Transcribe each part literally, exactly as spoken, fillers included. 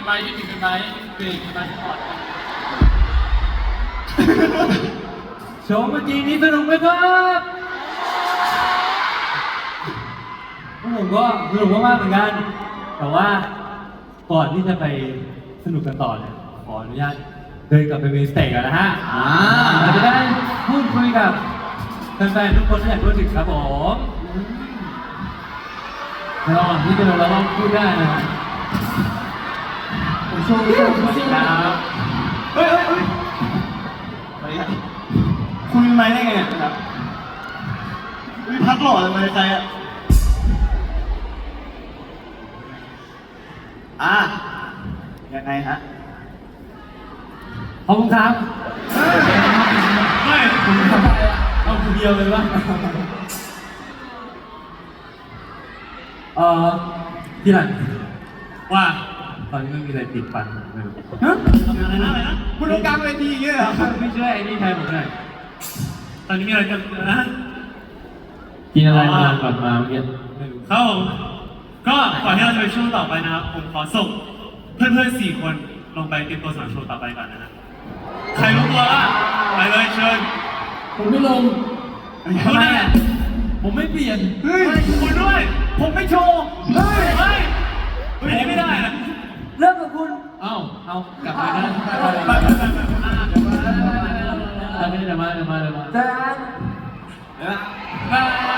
กันไหมคิดถึงกันไหมเบรกกันไหมก่อนโชว์เมื่อกี้นี้สนุกไหมครับผมก็สนุกมากๆเหมือนกันแต่ว่าก่อนที่จะไปสนุกกันต่อเนี่ยขออนุญาตเดินกลับไปเมนสเตจกันนะฮะเราจะได้พูดคุยกับแฟนๆทุกคนที่อยากรู้ถึงครับผมระหว่างที่เดินเราต้องพูดได้นะผมโชว์โชว์สวัสดีครับเฮ้ยเฮ้ยเฮ้ยสวัสดีครับคุณเป็นไม้ได้ไงครับมีพักหล่ออะไรใครอ่ะอ่ะยังไงฮะขอบคุณครับไม่คุณทำอะไรอ่ะเอาคนเดียวเลยวะเอ่อพี่หลังว่าตอนนี้ไม่มีอะไรติดฟันไม่รู้ฮะอะไรนะอะไรนะคุณลงกลางเวทีอย่างเงี้ยเหรอไม่ช่วยไอ้นี่ใครผมหน่อยตอนนี้มีอะไรกันนะกินอะไรมาก่อนมาเมื่อกี้ไม่รู้ครับผมก็ก่อนที่เราจะไปช่วงต่อไปนะครับผมขอส่งเพื่อนๆสี่คนลงไปเตรียมตัวสำหรับโชว์ต่อไปก่อนนะใครรู้ตัวละไปเลยเชิญผมไม่ลงทำไมอ่ะผมไม่เปลี่ยนเฮ้ยคุณด้วยผมไม่โชว์เฮ้ยเฮ้ยเฮ้ยไม่ได้นะเริ่มกับคุณเอ้าเอากลับมานะไปไปไปไปเดี๋ยวมาเดี๋ยวมาเดี๋ยวมาเดี๋ยวมาไป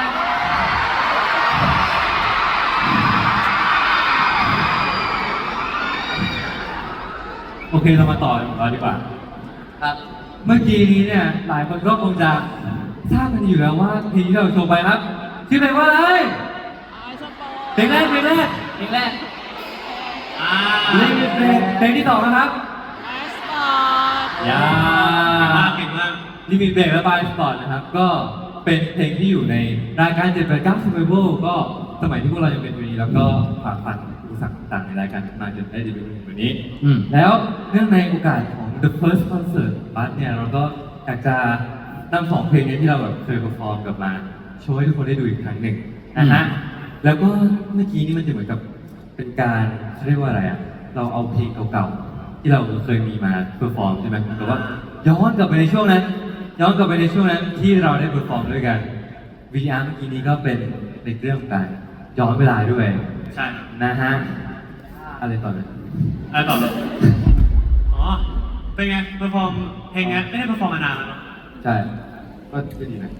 โอเคเรามาต่อของเราดีกว่าครับเมื่อกี้นี้เนี่ยหลายคนก็คงจะทราบกันอยู่แล้วว่าเพลงที่เราโชว์ไปครับชื่อเพลงว่าอะไรเพลงแรกเพลงแรกเพลงแรกอ่าเพลงเพลงเพลงที่สองนะครับยาเก่งมากลิมิตเบรกและบายสปอร์ตนะครับก็เป็นเพลงที่อยู่ในรายการเจ็ดแปดเก้า Survival ก็สมัยที่พวกเรายังเป็นอยู่นี้แล้วก็ผ่านฟันอุปสรรคต่างๆในรายการมาจนได้ดีเป็นแบบนี้แล้วเนื่องในโอกาสของ The First Concert บัสเนี่ยเราก็อยากจะนำสองเพลงนี้ที่เราแบบเคยเปอร์ฟอร์มกลับมาโชว์ให้ทุกคนได้ดูอีกครั้งหนึ่งนะฮะแล้วก็เมื่อกี้นี่มันจะเหมือนกับเป็นการเขาเรียกว่าอะไรอ่ะเราเอาเพลงเก่าๆที่เราเคยมีมาเปอร์ฟอร์มใช่ไหมแต่ว่าย้อนกลับไปในช่วงนั้นย้อนกลับไปในช่วงนั้นที่เราได้เปอร์ฟอร์มด้วยกัน วี อาร์ เมื่อกี้นี้ก็เป็นในเรื่องของการย้อนเวลาด้วยใช่นะฮะอะไรต่อเลยอะไรต่อเลยอ๋อเป็นไงเปอร์ฟอร์มเพลงนี้ไม่ได้เปอร์ฟอร์มมานานแล้วเนาะใช่ก็ดีนะ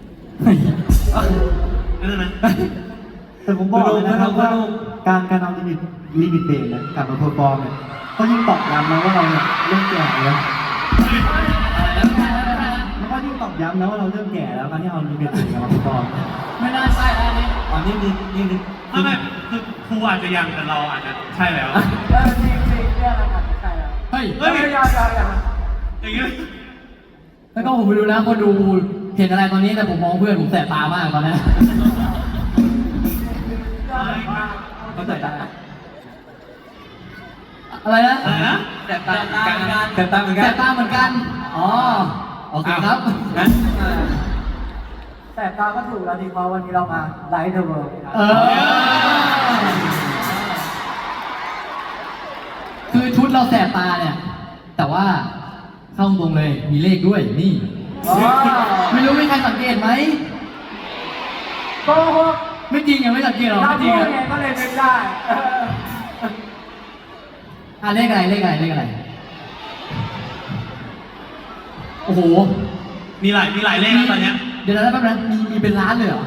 นั่นนะแต่ผมบอกเลยนะครับว่าการการเอาลิมิตลิมิตเบรกนะกลับมาเพอร์ฟอร์มเนี่ยก็ยิ่งตอกย้ำนะว่าเราเนี่ยเริ่มแก่แล้วแล้วก็ยิ่งตอกย้ำนะว่าเราเริ่มแก่แล้วการที่เอาลิมิตเบรกกลับมาเพอร์ฟอร์มไม่น่าใช่อันนี้อ๋อนี่นี่นี่นี่ไม่ไม่คือครูอาจจะยังแต่เราอาจจะใช่แล้วเออจริงจริงเนี่ยเราอาจจะใช่แล้วเฮ้ยเฮ้ยอย่าอย่าอย่าอย่างเงี้ยแล้วก็ผมไปดูนะคนดูเห็นอะไรตอนนี้แต่ผมมองเพื่อนผมแสบตามากตอนนี้เข้าใจได้อะไรนะอะไรนะแสบตาเหมือนกันแสบตาเหมือนกันแสบตาเหมือนกันอ๋อโอเคครับแสบตาก็ถูกแล้วดีเพราะวันนี้เรามาไลท์เดอะเวิลด์เออคือชุดเราแสบตาเนี่ยแต่ว่าเข้าตรงเลยมีเลขด้วยนี่ไม่รู้มีใครสังเกตไหมโกหกไม่จริงยังไม่สังเกตหรอไม่จริงอ่ะก็เลยไม่ได้อ่ะเลขอะไรเลขอะไรเลขอะไรโอ้โหมีหลายมีหลายเลขนะตอนเนี้ยเดี๋ยวนะแป๊บนึงมีมีเป็นล้านเลยเหรอ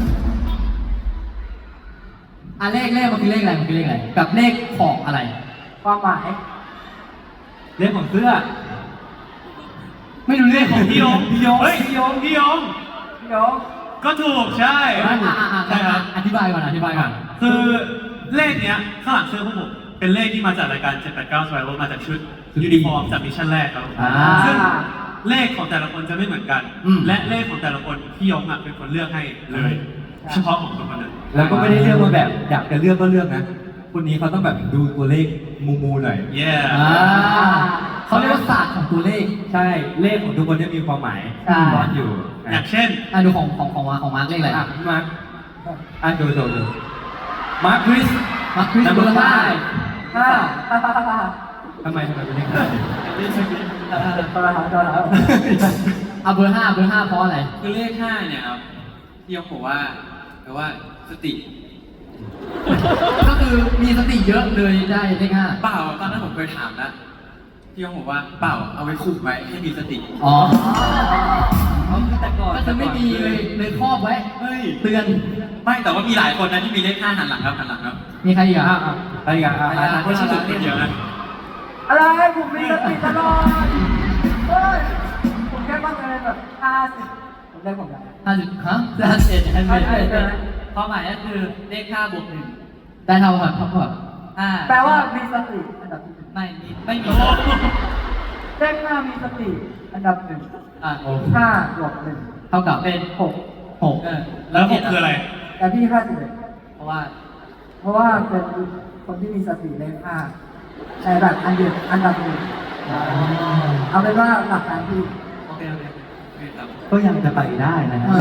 อ่ะเลขเลขมันคือเลขอะไรมันคือเลขอะไรกับเลขของอะไรความหมายเลขของเสื้อไม่รู้เลขของพี่ยงพี่ยงเฮ้ยพี่ยงพี่ยงพี่ยงก็ถูกใช่ใช่ครับอธิบายก่อนอธิบายก่อนคือเลขเนี้ยข้างหลังเสื้อพวกผมเป็นเลขที่มาจากรายการเจ็ดแปดเก้า Survival มาจากชุดยูนิฟอร์มจากมิชชั่นแรกครับซึ่งเลขของแต่ละคนจะไม่เหมือนกันและเลขของแต่ละคนพี่ยงอ่ะเป็นคนเลือกให้เลยเฉพาะของคนคนนั้นแล้วก็ไม่ได้เลือกมาแบบอยากจะเลือกก็เลือกนะคนนี้เขาต้องแบบดูตัวเลขมูมูหน่อยเย่เขาเรียกว่าศาสตร์ของตัวเลขใช่เลขของทุกคนจะมีความหมายซ่อนอยู่อย่างเช่นอ่ะดูของของของมาของมาร์กเลขอะไรอ่ะมาร์กอ่ะดูดูดูมาร์คคริสมาร์คคริสเบอร์ห้าห้าทำไมทำไมเป็นเลขห้าตัวละตัวละเอาเบอร์ห้าเบอร์ห้าเพราะอะไรคือเลขห้าเนี่ยครับพี่ยกบอกว่าแปลว่าสติก็คือมีสติเยอะเลยได้เลขห้าเปล่าตอนนั้นผมเคยถามนะพี่ยกบอกว่าเปล่าเอาไว้คุมไว้ให้มีสติอ๋อแต่ก่อนก็คือไม่มีเลยเลยครอบไว้เฮ้ยเตือนไม่แต่ว่ามีหลายคนนะที่มีเลขห้าหันหลังครับหันหลังครับมีใครอีกอ่ะอ่ะอ่ะอะไรอีกันอ่ะอ่ะอ่ะไม่ใช่ผมคนเดียวนะอะไรผมมีสติตลอดเฮ้ยผมแค่บ้างอะไรแบบห้าสิบผมได้ผมได้ห้าสิบฮะห้าสิบเอ็ดห้าสิบห้าเอ็ดสิบเอ็ดความหมายก็คือเลขห้าบวกหนึ่งได้เท่ากันเท่ากับห้าแปลว่ามีสติอันดับที่หนึ่งไม่มีไม่มีเลขห้ามีสติอันดับหนึ่งอ่ะห้าบวกหนึ่งเท่ากับเป็นหกหกเออแล้วหกคืออะไรแต่พี่ห้าสิบเอ็ดเพราะว่าเพราะว่าเป็นคนที่มีสติเลขห้าแต่แบบอันเดียวอันดับหนึ่งเอาเป็นว่าหลักการที่โอเคโอเคโอเคครับก็ยังจะไปได้นะฮะ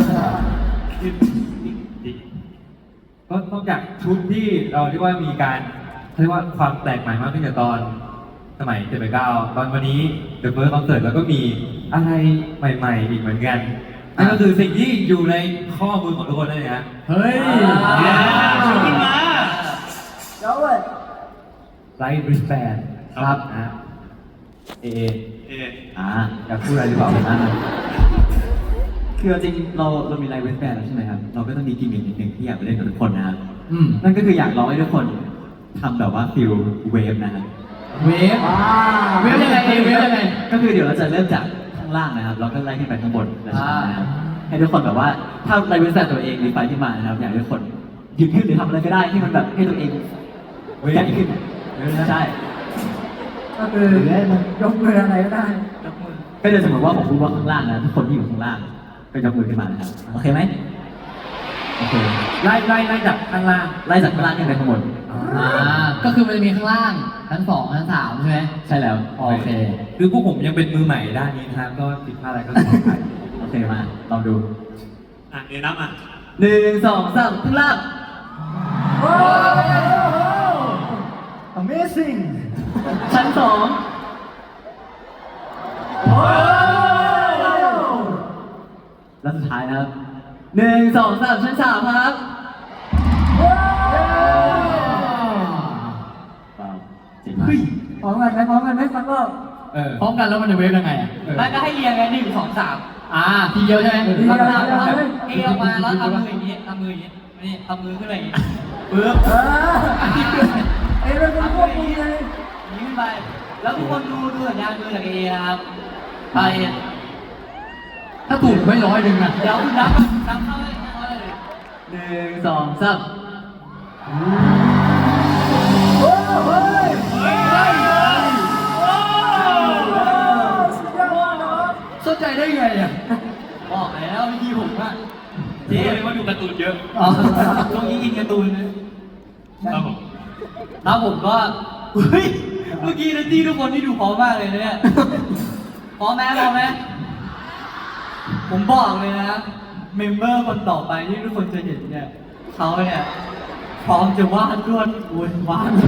ก็นอกจากชุดที่เราเรียกว่ามีการเรียกว่าความแปลกใหม่มากขึ้นจากตอนสมัยเจ็ดแปดเก้าตอนวันนี้ The First Concert แล้วก็มีอะไรใหม่ๆอีกเหมือนกันนั่นก็คือสิ่งที่อยู่ในข้อมือของทุกคนนั่นเองฮะเฮ้ยชุดขึ้นมาเดี๋ยวเว้ยไลท์ริสแบนครับนะเอเออ่าอยากพูดอะไรหรือเปล่านะคือจริงๆเราเรามีไลฟ์เวสแบนแล้วใช่ไหมครับ เราก็ต้องมีกิมมิคนิดหนึ่งที่อยากไปเล่นกับทุกคนนะครับอืมนั่นก็คืออยากร้องให้ทุกคนทำแบบว่าฟิลเวฟนะครับเวฟเวฟยังไงเอเวฟยังไงก็คือเดี๋ยวเราจะเริ่มจากข้างล่างนะครับ เราก็ไล่ขึ้นไปข้างบนนะครับให้ทุกคนแบบว่าถ้าไลฟ์เวสแบนตัวเองรีไฟขึ้นมานะครับ อยากให้ทุกคนหยิบขึ้นหรือทำอะไรก็ได้ที่มันแบบให้ตัวเองใหญ่ขึ้นใช่ก็คือยกมืออะไรก็ได้ยกมือก็จะสมมติว่าผมพูดว่าข้างล่างนะทุกคนที่อยู่ข้างล่างก็ยกมือขึ้นมานะครับโอเคไหมโอเคไล่ไล่ไล่จากข้างล่างไล่จากข้างล่างขึ้นไปข้างบนอ่า ก็คือมันจะมีข้างล่างชั้นสองชั้นสามใช่ไหมใช่แล้วโอเคคือพวกผมยังเป็นมือใหม่ด้านนี้นะครับก็ผิดพลาดอะไรก็ขออภัยโอเคมาลองดูอ่ะเดี๋ยวนับอ่ะหนึ่งสองสามข้างล่างโอ้โห Amazing ชั้นสองโอ้แล้วสุดท้ายนะครับหนึ่งสองสามชั้นสามครับว้าวเจ๋งมากพร้อมกันไหมพร้อมกันไหมฟังก็เออพร้อมกันแล้วมันจะเวฟยังไงอ่ะเออแล้วก็ให้เรียงไงหนึ่งสองสามอ่า ทีเดียวใช่ไหมทีเดียวทำทำทำเอออกมาแล้วทำมืออย่างนี้ทำมืออย่างนี้นี่ทำมือขึ้นไปอย่างนี้ปึ๊บเออเอ้ยเป็นคนควบคุมไงอย่างนี้ขึ้นไป แล้วทุกคนดูดูสัญญาณมือจากเอนะครับไปถ้าถูกไม่ร้อยหนึ่งนะเดี๋ยวคุณนับนับเข้าให้เข้าให้เลยหนึ่งสองสามโอ้เฮ้ยเฮ้ยโอ้สุดยอดเนาะเข้าใจได้ไงอ่ะบอกแล้ววิธีผมอะเจ๊เลยว่าดูการ์ตูนเยอะอ๋อช่วงนี้อินการ์ตูนนะครับผมแล้วผมก็เฮ้ยเมื่อกี้นะที่ทุกคนที่ดูพร้อมมากเลยนะเนี่ยพร้อมไหมพร้อมไหมผมบอกเลยนะเมมเบอร์คนต่อไปที่ทุกคนจะเห็นเนี่ยเขาเนี่ยพร้อมจะวาดรวดอุนวาด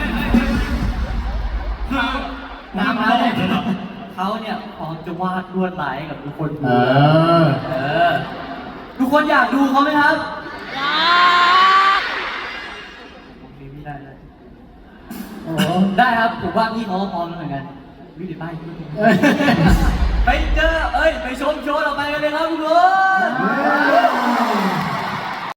คือน้ำมันเขาเนี่ยพร้อมจะวาดรวดลายให้กับทุกคนดูเออเออ ทุกคนอยากดูเขาไหมครับอยากผมมีไม่ได้เลยโอ้ได้ครับ ผมว่าพี่เขาก็พร้อมแล้วเหมือนกันวิดีป้ายพี่ไปเจอ เอ้ย ไปชมโชว์ต่อไปกันเลยครับทุกคน